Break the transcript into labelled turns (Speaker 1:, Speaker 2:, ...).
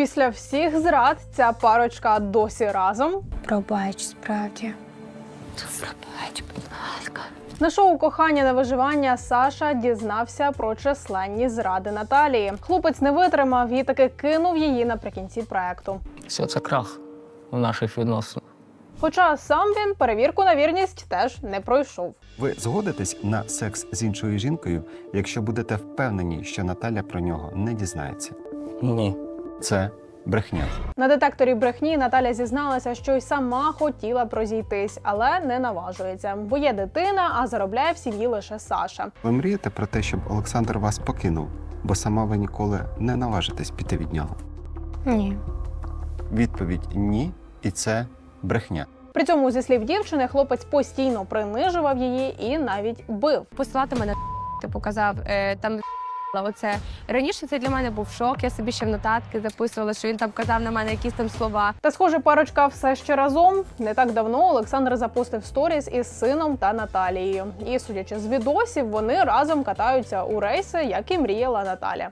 Speaker 1: Після всіх зрад ця парочка досі разом.
Speaker 2: Пробач, справді. Пробач, будь ласка.
Speaker 1: На шоу «Кохання на виживання» Саша дізнався про численні зради Наталії. Хлопець не витримав і таки кинув її наприкінці проекту.
Speaker 3: Все, це крах у наших відносинах.
Speaker 1: Хоча сам він перевірку на вірність теж не пройшов.
Speaker 4: Ви згодитесь на секс з іншою жінкою, якщо будете впевнені, що Наталя про нього не дізнається?
Speaker 3: Ні.
Speaker 4: Це брехня.
Speaker 1: На детекторі брехні Наталя зізналася, що й сама хотіла б розійтись, але не наважується, бо є дитина, а заробляє в сім'ї лише Саша.
Speaker 4: Ви мрієте про те, щоб Олександр вас покинув, бо сама ви ніколи не наважитесь піти від нього?
Speaker 2: Ні.
Speaker 4: Відповідь – ні, і це брехня.
Speaker 1: При цьому, зі слів дівчини, хлопець постійно принижував її і навіть бив.
Speaker 2: Посилати мене, типу, казав, там, оце. Раніше це для мене був шок, я собі ще в нотатки записувала, що він там казав на мене якісь там слова.
Speaker 1: Та, схоже, парочка все ще разом. Не так давно Олександр запустив сторіс із сином та Наталією. І, судячи з відосів, вони разом катаються у рейси, як і мріяла Наталя.